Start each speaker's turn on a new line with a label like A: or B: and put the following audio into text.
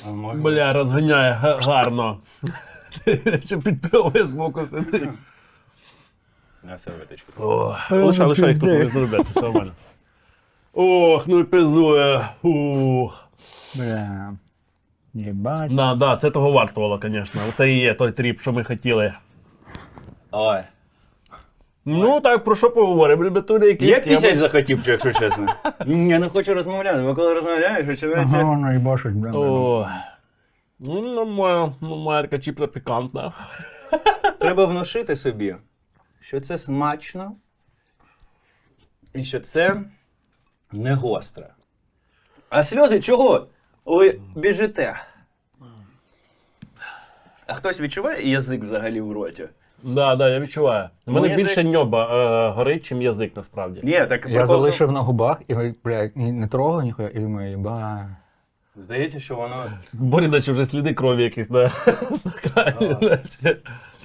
A: Бля, розганяє гарно. Ще підпливає з боку сидить.
B: На серветочку.
A: Лишай, хто не зробиться, все нормально. Ох, ну і пиздує. Ух.
C: Бля. Єбать.
A: Да, це того вартувало, звісно. Це і є той тріп, що ми хотіли.
B: Ой.
A: Ну так, про що поговоримо, ребятулі, які
B: Я пісять захотів, якщо чесно. Я не хочу розмовляти, бо коли розмовляєш, очевидно.
C: Ага, воно їбашить, бля.
A: О, ну, моя така чіпля пікантна.
B: Треба внушити собі, що це смачно і що це не гостре. А сльози чого? Ви біжите. А хтось відчуває язик взагалі в роті?
A: Да, я відчуваю. У мене
B: Мені
A: більше ньоба горить, чим язик, насправді.
B: Ні, так
C: Я залишив на губах і, бля, і не трогав ніхуя, і думаю, єба.
B: Здається, що воно.
A: Борі, наче вже сліди крові якісь на стакані.